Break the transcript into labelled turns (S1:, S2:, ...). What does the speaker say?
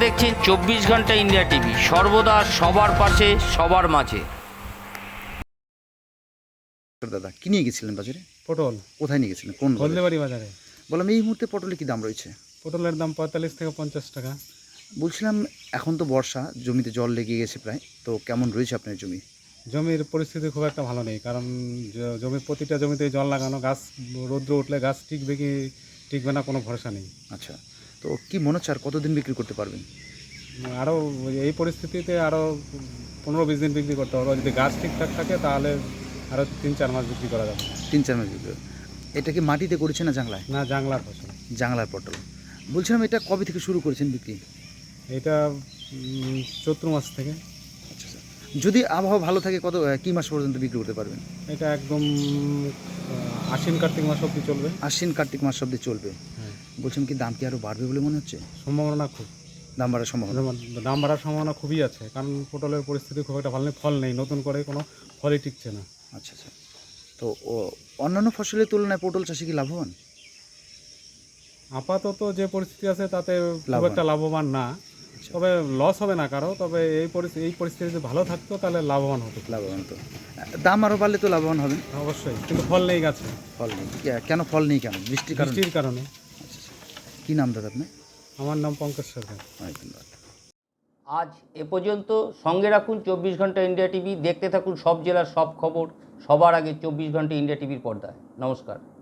S1: দেখছেন 24 ঘন্টা India TV, সর্বদা সবার পাশে সবার মাঝে।
S2: দাদা কি নিয়ে গেছিলেন বাজারে?
S3: পটল
S2: কোথায় নিয়ে গেছিলেন? কোন বাজারে?
S3: হলদেবাড়ি বাজারে।
S2: বললাম এই মুহূর্তে পটলে কি দাম রয়েছে?
S3: পটলের দাম 45 থেকে 50 টাকা।
S2: বলছিলাম এখন তো বর্ষা, জমিতে জল লেগে গেছে প্রায়, তো কেমন রয়েছে আপনার জমি?
S3: জমির পরিস্থিতি খুব একটা ভালো নেই, কারণ জমির প্রতিটা জমিতেই জল লাগানো, গাছ রৌদ্র উঠলে গাছ টিকবে কি টিকবে না কোনো ভরসা নেই।
S2: আচ্ছা, তো কি মনে হচ্ছে আর কতদিন বিক্রি করতে পারবেন?
S3: আরও এই পরিস্থিতিতে আরও 15-20 দিন বিক্রি করতে হবে। যদি গাছ ঠিকঠাক থাকে তাহলে আরও 3-4 মাস বিক্রি করা যাবে।
S2: 3-4 মাস বিক্রি। এটা কি মাটিতে করেছেন না জাংলায়?
S3: না, জাংলার ফসল।
S2: জাংলার পটল। বলছিলাম এটা কবে থেকে শুরু করেছেন বিক্রি?
S3: এটা চৈত্র মাস থেকে।
S2: আচ্ছা স্যার, যদি আবহাওয়া ভালো থাকে কত কি মাস পর্যন্ত বিক্রি করতে পারবেন?
S3: এটা একদম আশ্বিন কার্তিক মাস অবধি চলবে।
S2: আশ্বিন কার্তিক মাস অবধি চলবে।
S3: হ্যাঁ,
S2: বলছিলাম কি দাম কি আরও বাড়বে বলে মনে হচ্ছে?
S3: সম্ভাবনা খুব।
S2: দাম বাড়ার সম্ভাবনা?
S3: দাম বাড়ার সম্ভাবনা খুবই আছে, কারণ পটলের পরিস্থিতি খুব একটা ভালো নেই, ফল নেই, নতুন করে কোনো ফলই টিকছে না।
S2: আচ্ছা আচ্ছা, তো অন্যান্য ফসলের তুলনায় পটল চাষে কি লাভবান?
S3: আপাতত যে পরিস্থিতি আছে তাতে খুব
S2: লাভবান।
S3: একটা লাভবান না, তবে লস হবে না কারো, তবে এই পরিস্থিতি যদি ভালো থাকতো তাহলে লাভবান হতো।
S2: লাভবান তো, দাম আরও বাড়লে তো লাভবান হবেন।
S3: অবশ্যই, কিন্তু ফল নেই গাছে।
S2: ফল নেই কেন? ফল নেই কেন? বৃষ্টির কারণে?
S3: বৃষ্টির কারণে।
S2: আচ্ছা আচ্ছা, কী নাম দাদা আপনার?
S3: আমার নাম পঙ্কজ সরকার।
S2: অনেক ধন্যবাদ।
S1: আজ এ পর্যন্ত। সঙ্গে রাখুন 24 ঘন্টা ইন্ডিয়া টিভি, দেখতে থাকুন সব জেলার সব খবর সবার আগে 24 ঘন্টা ইন্ডিয়া টিভির পর্দায়। নমস্কার।